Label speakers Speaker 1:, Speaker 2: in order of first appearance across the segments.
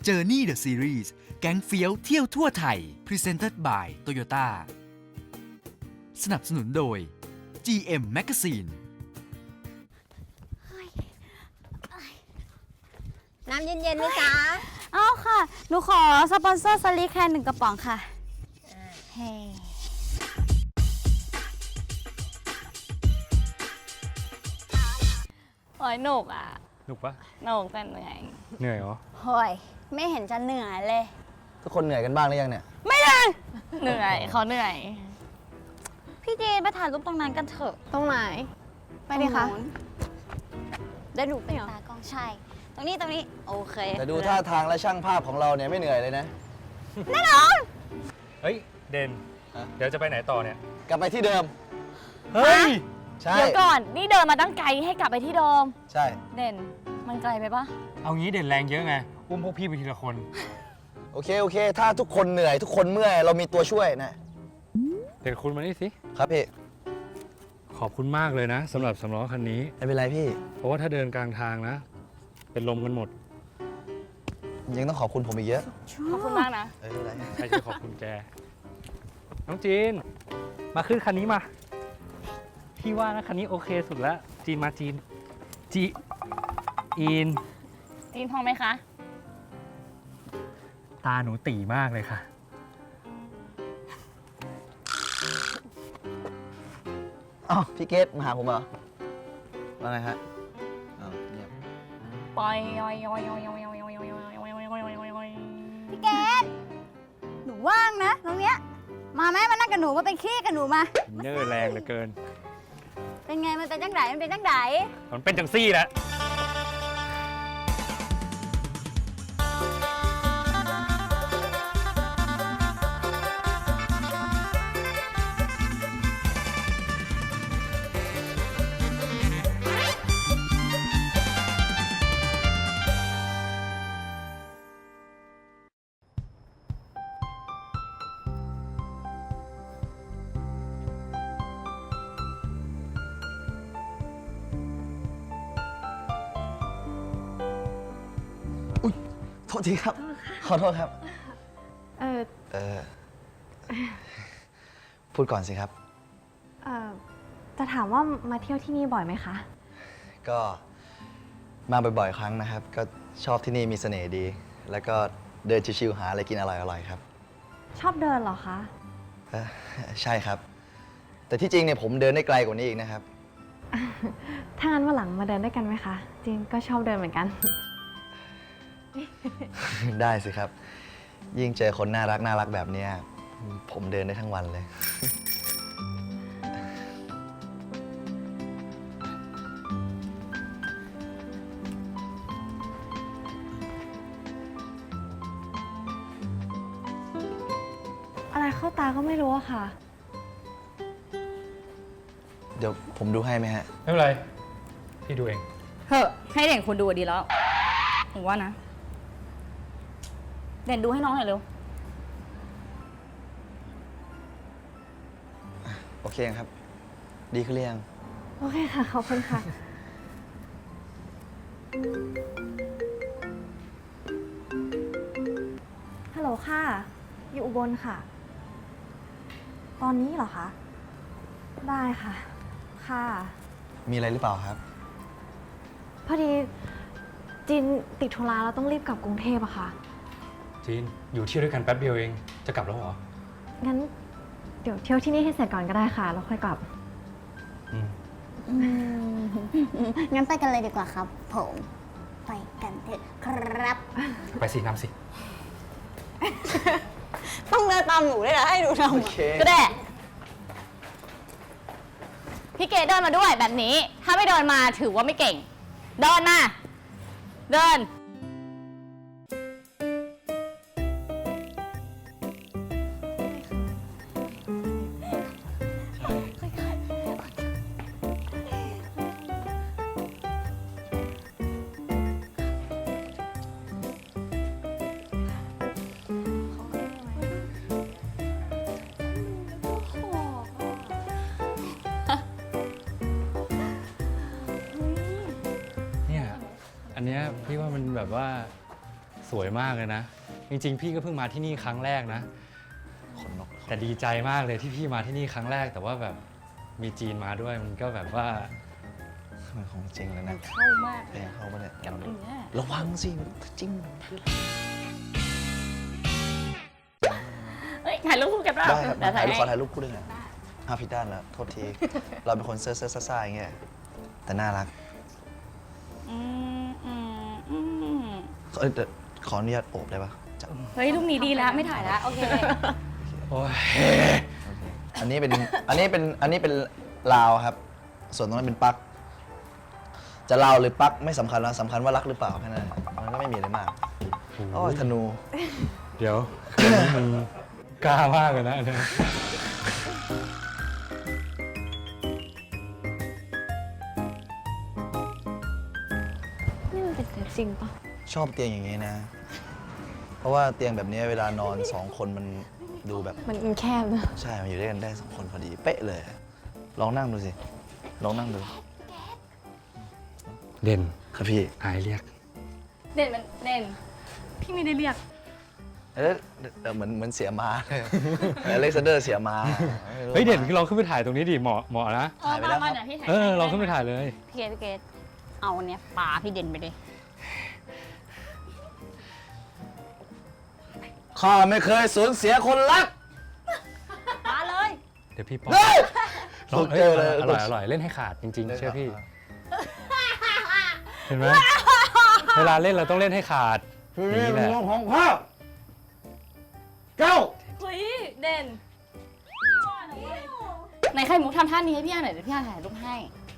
Speaker 1: Journey the Series แก๊งเฟี้ยวเที่ยวทั่วไทย Presented by Toyota สนับสนุนโดย GM Magazine
Speaker 2: น้ำเย็นๆไหมจ๊ะ
Speaker 3: เอาค่ะ หนูขอสปอนเซอร์สลิกแค่1 กระป๋องค่ะเฮ้โอ้ยหนุกอ่ะ
Speaker 4: หนุกปะ
Speaker 3: หนุกแต่เหนื่อย
Speaker 4: เหนื่อยเหรอ
Speaker 3: โอ้ยไม่เห็นจะเหนื่อยเลย
Speaker 5: ทุกคนเหนื่อยกันบ้างหรือยังเนี่ย
Speaker 3: ไม่เลยเหนื่อยเขาเหนื่อย พี่จีนไปถ่ายรูปตรงนั้นกันเถอะ
Speaker 2: ตรงไหน ไปดิคะ
Speaker 3: ตรงนู้นได้ดูเป็นตากล้องใช่ ตรงนี้ โอเค
Speaker 5: แต่ดูท่าทางและช่างภาพของเราเนี่ยไม่เหนื่อยเลยนะ
Speaker 4: เฮ้ย เด่น
Speaker 5: ฮะ
Speaker 4: เดี๋ยวจะไปไหนต่อเนี่ย
Speaker 5: กลับไปที่เดิม
Speaker 4: เฮ้ย
Speaker 5: ใช่
Speaker 3: เดี๋ยวก่อน นี่เดินมาตั้งไกลให้กลับไปที่เดิม
Speaker 5: ใช่
Speaker 3: เด่น มันไกลไปปะ
Speaker 4: เอางี้เด่นแรงเยอะไง อุ้มพวกพี่ไปทีละคน
Speaker 5: โอเค ถ้าทุกคนเหนื่อยทุกคนเมื่อยเรามีตัวช่วยนะ
Speaker 4: เด่นคุณมานี่สิ
Speaker 5: ครับพี่
Speaker 4: ขอบคุณมากเลยนะสำหรับสำล้อคันนี้
Speaker 5: ไม่เป็นไรพี่
Speaker 4: เพราะว่าถ้าเดินกลางทางนะ เป็นลมกันหมด
Speaker 5: ยังต้องขอบคุณผมอีกเยอะ
Speaker 3: ขอบคุณมากนะ
Speaker 5: ไม่เป็นไร
Speaker 4: ใครจะขอบคุณแก น้องจีน มาขึ้นคันนี้มา พี่ว่านะคันนี้โอเคสุดแล้ว จีนมาจีน จีอิน
Speaker 3: จีนพอไหมคะ
Speaker 4: ตาหนูตีมากเลยค่ะ
Speaker 5: อ้าวพี่เกตมาหาผมเหรอว่าไงฮะอ้าวเงียบ
Speaker 3: ปอยยอยยอยยอยยอยยอยยอยยอยยอย พี่เกดหนูว่างนะตรงเนี้ย มาแม่มานั่งกับหนูมาเป็นขี้กับหนูมา
Speaker 4: เนอร์แรงเหลือเกิน
Speaker 3: เป็นไงมันเป็นจังไดมันเป็นจังได
Speaker 4: มันเป็นจังซี่แหละ
Speaker 5: โทษทีครับ ขอโทษครับ
Speaker 2: เออ
Speaker 5: เออพูดก่อนสิครับ
Speaker 2: เออจะถามว่ามาเที่ยวที่นี่บ่อยไหมคะ
Speaker 5: ก็มาบ่อยๆครั้งนะครับ ก็ชอบที่นี่มีเสน่ห์ดี แล้วก็เดินชิวๆหาอะไรกินอร่อยๆครับ
Speaker 2: ชอบเดินเหรอคะ
Speaker 5: เอ่อใช่ครับ แต่ที่จริงเนี่ยผมเดินได้ไกลกว่านี้อีกนะครับ
Speaker 2: ถ้างั้นวันหลังมาเดินด้วยกันไหมคะจีนก็ชอบเดินเหมือนกัน
Speaker 5: ได้สิครับ ยิ่งเจอคนน่ารักแบบเนี้ยผมเดินได้ทั้งวันเลย
Speaker 2: อะไรเข้าตาก็ไม่รู้อะค่ะ
Speaker 5: เดี๋ยวผมดูให้ไหมฮะ
Speaker 4: ไม่เป็นไร พี่ดูเอง
Speaker 3: เฮ้ให้เด่นคุณดูดีแล้วหนูว่านะ เด่นดูให้น้องหน่อยเร็ว
Speaker 5: โอเคครับ ดีขึ้นหรือยัง
Speaker 2: โอเคค่ะ ขอบคุณค่ะ ฮัลโหลค่ะ อยู่อุบลค่ะ ตอนนี้เหรอคะ ได้ค่ะ ค่ะ
Speaker 5: มีอะไรหรือเปล่าครับ
Speaker 2: พอดีจินติดธุระแล้วต้องรีบกลับกรุงเทพอะค่ะ
Speaker 4: จีน อยู่เที่ยวด้วยกันแป๊บเดียวเอง จะกลับแล้วเหรอ
Speaker 2: งั้นเดี๋ยวเที่ยวที่นี่ให้เสร็จก่อนก็ได้ค่ะ แล้วค่อยกลับ
Speaker 4: อืม
Speaker 3: งั้นไปกันเลยดีกว่าครับ ผม ไปกันเถอะครับ
Speaker 4: ไปสินำสิ
Speaker 3: ต้องเดินตามหนูด้วยนะให้ดูทำ
Speaker 5: โอเค
Speaker 3: ก็ได้ พี่เกดเดินมาด้วยแบบนี้ ถ้าไม่เดินมาถือว่าไม่เก่ง เดินมา เดิน
Speaker 4: เนี่ย อันเนี้ยพี่ว่ามันแบบว่าสวยมากเลยนะ จริงๆ พี่ก็เพิ่งมาที่นี่ครั้งแรกนะ
Speaker 5: ขนนก
Speaker 4: แต่ดีใจมากเลยที่พี่มาที่นี่ครั้งแรก แต่ว่าแบบมีจีนมาด้วยมันก็แบบว่า
Speaker 5: มันของจริงเลยนะ
Speaker 3: เข้ามาก
Speaker 5: เพลงเข้ามาเนี่ย
Speaker 3: กับเนื้อ
Speaker 5: ระวังสิจริง
Speaker 3: เฮ้ยถ่ายรูปคู่กันเปล่า
Speaker 5: ได้ครับ
Speaker 3: เดี๋ยวถ่ายให้
Speaker 5: ขอถ่ายรูปคู่ด้วยหน่อยผิดด้านแล้วโทษที เราเป็นคนเซ่อซ่าๆอย่างเงี้ยแต่น่ารัก
Speaker 3: อืมอืมอืม
Speaker 5: แต่ขออนุญาตโอบได้ปะจับ
Speaker 3: เฮ้ยรูปนี้ดีแล้วไม่ถ่ายแล้วโอเค
Speaker 4: โอ้ย
Speaker 5: อันนี้เป็นลาวครับ ส่วนตรงนั้นเป็นปลั๊กจะลาวหรือปลั๊กไม่สำคัญแล้วสำคัญว่ารักหรือเปล่าแค่นั้นมันก็ไม่มีอะไรมากโอ้ยธนู
Speaker 4: เดี๋ยวคืนนี้มึงกล้ามากเลยนะอันเนี้ย
Speaker 2: นี่มันเป็นเซตจริงปะ
Speaker 5: ชอบเตียงอย่างนี้นะ เพราะว่าเตียงแบบนี้เวลานอน2 คนมันดูแบบ
Speaker 2: มันแคบนะ
Speaker 5: ใช่ มันอยู่ด้วยกันได้2 คนพอดี เป๊ะเลย ลองนั่งดูสิ ลองนั่งดู
Speaker 4: เด่น
Speaker 5: ครับพี่
Speaker 4: อายเรียก
Speaker 3: เด่นมันเด่นพี่ไม่ได้เรียก
Speaker 5: เหมือนเสียม้าเลยอเล็กซานเดอร์เสียม้าไม่รู้
Speaker 4: เฮ้ยเด่นลองขึ้นไปถ่ายตรงนี้ดิเหมาะนะ
Speaker 5: ถ่ายไปแล้วครับ
Speaker 3: เดี๋ยวพี่ถ่าย
Speaker 4: ลองขึ้นไปถ่ายเลย
Speaker 3: พี่เกดเอาอันเนี้ยปาพี่เด่นไปเลย
Speaker 5: ข้าไม่เคยสูญเสียคนรัก
Speaker 3: ปาเลย
Speaker 4: เดี๋ยวพี่ป้อน
Speaker 5: เฮ้ย
Speaker 4: ลอง
Speaker 5: สุดเจอเลย
Speaker 4: อร่อยเล่นให้ขาดจริงๆเชื่อพี่ เห็นไหมเวลาเล่นเราต้องเล่นให้ขาด นี่แหละ
Speaker 5: ของพ่อเก้า
Speaker 3: เฮ้ยเด่นไหนไข่มุกทำท่านี้ให้พี่อาหน่อยเดี๋ยวพี่อาถ่ายรูปให้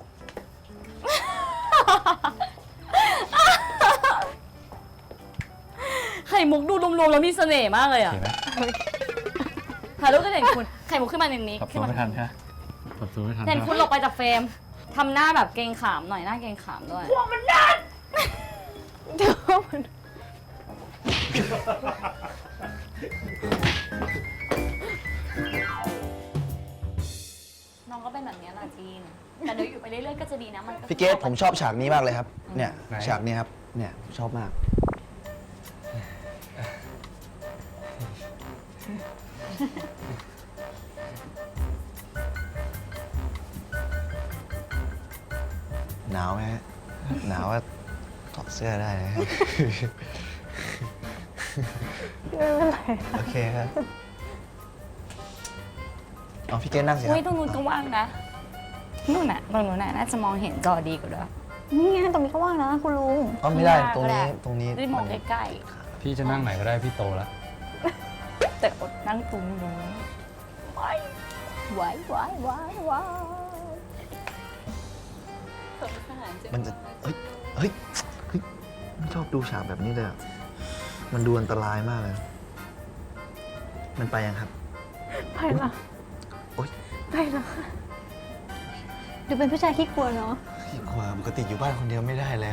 Speaker 3: ไข่มุกดูรวมๆแล้วมีเสน่ห์มากเลยอ่ะ
Speaker 4: เห็นไหม
Speaker 3: ถ่ายรูปก็เด่นคุณ ไข่มุกขึ้นมาในนี้
Speaker 4: ปรับ
Speaker 3: ขึ้
Speaker 4: ตัวน
Speaker 3: มา
Speaker 4: ไม่ทันใช่ไหมปรับตัวไม่ทัน
Speaker 3: เด่นคุณหลบไปจากเฟรมทำหน้าแบบเกรงขามหน่อยหน้าเกรงขามด้วยพวกมันนั่นเดี๋ยวมันน้องก็เป็นแบบนี้แหละจีน แต่เดี๋ยวอยู่ไปเรื่อยๆก็จะดีนะมันก็
Speaker 5: พี่เกตผมชอบฉากนี้มากเลยครับ เนี่ยฉากนี้ครับ เนี่ยชอบมาก หนาวไหมฮะ หนาวว่าถอดเสื้อได้นะครับ
Speaker 2: ไม่เป็นไร
Speaker 5: โอเคครับเอาพี่เกตนั่งสิครั
Speaker 3: อุ้ยตรงนู้นก็ว่างนะนู่นน่ะตรงนู้นน่ะน่าจะมองเห็นจอดีกว่าด้วย
Speaker 2: นี่ไงตรงนี้ก็ว่างนะคุณลุง
Speaker 5: อ๋อไม่ได้
Speaker 3: ข้างหน้า
Speaker 5: ตรง
Speaker 3: ก็ได้
Speaker 5: นี้ตรงนี้
Speaker 3: ได้มองใกล้
Speaker 4: พี่จะนั่งไหนก็ได้พี่โตแล้ว
Speaker 3: ๆแต่อดนั่งตรงนู้นไหวไหวไหวไหวไหว
Speaker 5: มันจะเฮ้ยเฮ้ยเฮ้ยไม่ชอบดูฉากแบบนี้เลยอะมันดูอันตรายมากเลย มันไปยังครับ
Speaker 2: ไปละ
Speaker 5: โอ๊ย
Speaker 2: ไปละดูเป็นผู้ชายขี้กลัวเนาะ
Speaker 5: ความปกติอยู่บ้านคนเดียวไม่ได้เลย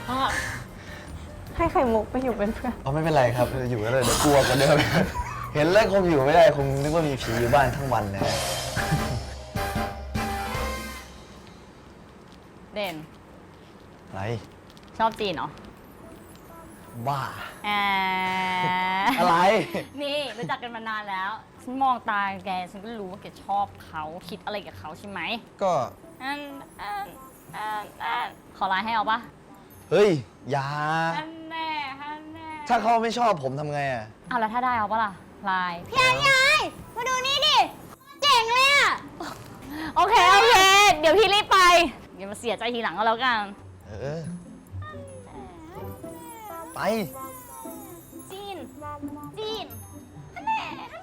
Speaker 2: ให้ไข่มุกไปอยู่เป็นเพื่อน
Speaker 5: อ๋อไม่เป็นไรครับ อยู่ก็เลยเดี๋ยวกลัวกว่าเดิม เห็นแล้วคงอยู่ไม่ได้คงนึกว่ามีผีอยู่บ้านทั้งวันเลย
Speaker 3: เด่น
Speaker 5: อะไร
Speaker 3: ชอบจีนเหรอ
Speaker 5: บ้า
Speaker 3: อ่า
Speaker 5: อะไร
Speaker 3: นี่รู้จักกันมานานแล้ว ฉันมองตาแกฉันก็รู้ว่าแกชอบเขาคิดอะไรกับเขาใช่ไหม
Speaker 5: ก็
Speaker 3: ขอไลน์ให้เอาปะ
Speaker 5: เฮ้ยอย่า
Speaker 3: ฮันแน่ฮันแน่
Speaker 5: ถ้าเขาไม่ชอบผมทำไงอ่ะ
Speaker 3: เอาแล้วถ้าได้เอาปะล่ะไลน์พี่ไอ้มาดูนี่ดิ เจ๋งเลยอะโอเค เดี๋ยวพี่รีบไปอย่ามาเสียใจทีหลังก็แล้วกัน
Speaker 5: เออ ไป
Speaker 3: จีนฮันแน่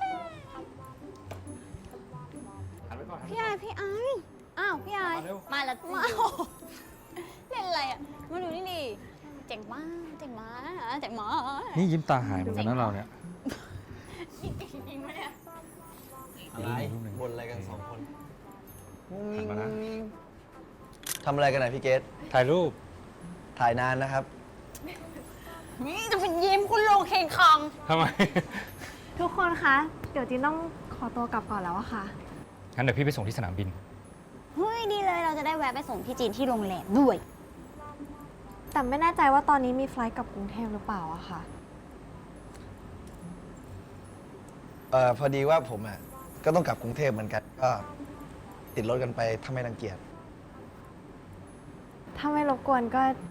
Speaker 3: พี่ไอ้อ้าวพี่ไอ้มาแล้วมาเล่นอะไรอ่ะ มาดูนี่ดิเจ๋งมากเจ๋งมาก
Speaker 4: นี่ยิ้มตาหายเหมือนกันนะเราเนี่ย
Speaker 3: จริงไหมเนี่ย
Speaker 5: อะไรบนอะไรกัน2 คน
Speaker 4: หันมานะ
Speaker 5: ทำอะไรกันไหนพี่เกต
Speaker 4: ถ่ายรูป
Speaker 5: ถ่ายนานนะครับ
Speaker 3: นี่จะเป็นยิ้มคุณลงเข่งคอง
Speaker 4: ทำไม
Speaker 2: ทุกคนคะ เดี๋ยวจีนต้องขอตัวกลับก่อนแล้วอะค่ะ
Speaker 4: งั้นเดี๋ยวพี่ไปส่งที่สนามบิน
Speaker 3: เฮ้ยดีเลยเราจะได้แวะไปส่งพี่จีนที่โรงแรมด้วย
Speaker 2: แต่ไม่แน่ใจว่าตอนนี้มีไฟลท์กลับกรุงเทพหรือเปล่าอะค่ะ
Speaker 5: พอดีว่าผมอ่ะก็ต้องกลับกรุงเทพเหมือนกันก็ติดรถกันไปถ้าไม่รังเกียจ
Speaker 2: ถ้าไม่รบกวน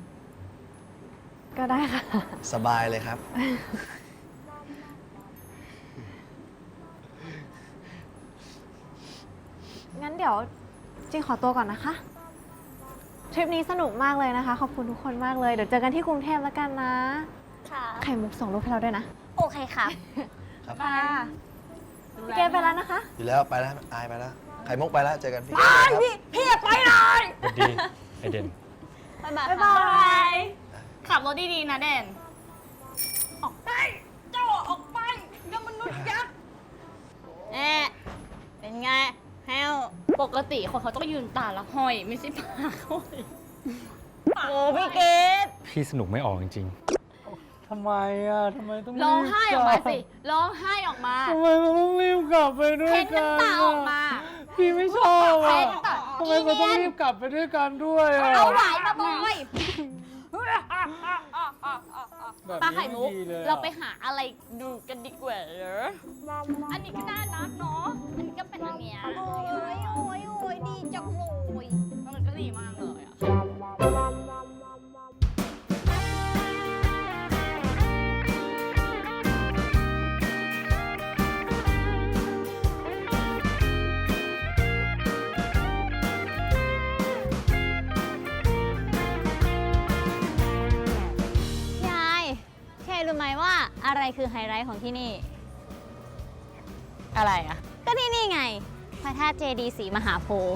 Speaker 2: ก็ได้ค่ะ
Speaker 5: สบายเลยครับ
Speaker 2: งั้นเดี๋ยวจริงขอตัวก่อนนะคะ ทริปนี้สนุกมากเลยนะคะ ขอบคุณทุกคนมากเลย เดี๋ยวเจอกันที่กรุงเทพแล้วกันนะ
Speaker 3: ค่ะ
Speaker 2: ไข่มุกส่งรูปให้เราด้วยนะ
Speaker 3: โอเคค่ะ
Speaker 5: ครับ
Speaker 2: ค่ะพี่เกดไปแล้วนะคะ
Speaker 5: อยู่แล้วไปแล้วอายไปแล้วไข่มุกไปแล้วเจอกันพี่
Speaker 3: พี่อย่าไปเลย
Speaker 4: สวัสดีไอเด่น
Speaker 3: บ๊ายบาย
Speaker 2: บ๊ายบาย
Speaker 3: ขับรถดีๆนะเด่น ออกไปเจ้าออกไปเจ้ามนุษย์ยักษ์เป็นไงแฮวปกติคนเขาต้องยืนตาละห้อย ไม่ใช่ปากห้อยโอ้พี่เกด
Speaker 4: พี่สนุกไม่ออกจริงๆทำไมอ่ะทำไมต้อง
Speaker 3: ร้องไห้ออกมาสิ ร้องไห้ออกมา
Speaker 4: ทำไมเราต้องรีบกลับไปด้วย
Speaker 3: เพ้น
Speaker 4: กัน
Speaker 3: น้ำตาออกมา
Speaker 4: พี่ไม่ชอบอ่ะ
Speaker 3: เพ้นน้ำตา
Speaker 4: ทำไมเราต้องรีบกลับไปด้วยกันด้วยอ่ะ
Speaker 3: เอาไหวมาบอย
Speaker 4: แบบ
Speaker 3: ปลา
Speaker 4: นี้
Speaker 3: ไข่มุก
Speaker 4: ดีเลยอะ
Speaker 3: เราไปหาอะไรดูกันดีกว่าเหรออันนี้ก็น่ารักเนาะ อันนี้ก็เป็นอันเนี้ยโอ้ยดีจังเลยมันก็ดีมากเลยอะ
Speaker 6: ยายแค่รู้ไหมว่าอะไรคือไฮไลท์ของที่นี่
Speaker 3: อะไรอะ
Speaker 6: ก็ที่นี่ไง พระธาตุเจดีย์ศรีมหาโพธิ์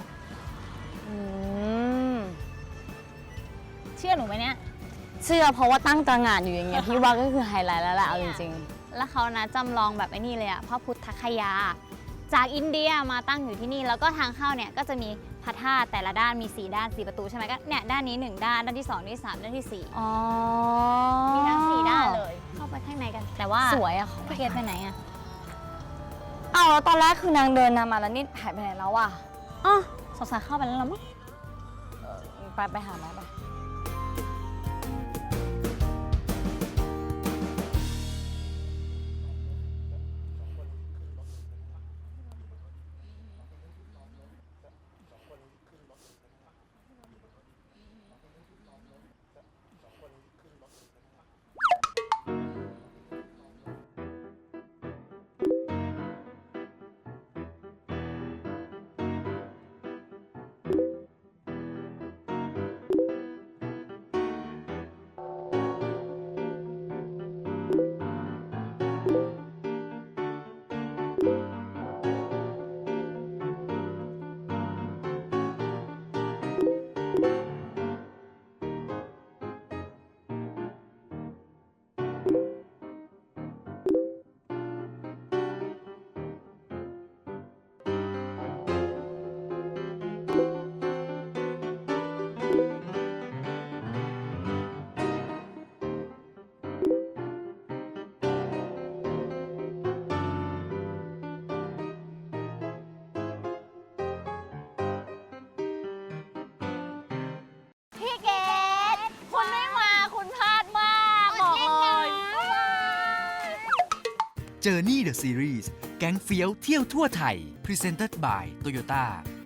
Speaker 3: เชื่อหนูไหมเนี่ย
Speaker 6: เชื่อเพราะว่าตั้งตระหง่านอยู่อย่างเงี้ย พี่ว่าก็คือไฮไลท์แล้วแหละเอาจริงๆ แล้วเขานะจำลองแบบไอ้นี่เลยอะพระพุทธคยา จากอินเดียมาตั้งอยู่ที่นี่ แล้วก็ทางเข้าเนี่ยก็จะมีพระธาตุแต่ละด้านมี4ด้าน4ประตูใช่ไหมก็เนี่ยด้านนี้1ด้านด้านที่2ด้านที่3ด้านที่4
Speaker 3: อ๋อ
Speaker 6: มีทั้ง4ด้านเลย เข้าไปข้างในกัน แต่ว่า
Speaker 3: สวยอะ
Speaker 6: พี่เกดไปไหนอะ
Speaker 3: อ้าวแล้วตอนแรกคือนางเดินนำมาแล้วนี่หายไปไหนแล้วอะ
Speaker 6: อ๋อสงสัยเข้าไปแล้วละมั้ง
Speaker 3: ไปหาแม่ไปพี่เกดคุณไม่มาคุณพลาดมากบอกเลย
Speaker 1: Journey the Series แก๊งเฟี้ยวเที่ยวทั่วไทย Presented by Toyota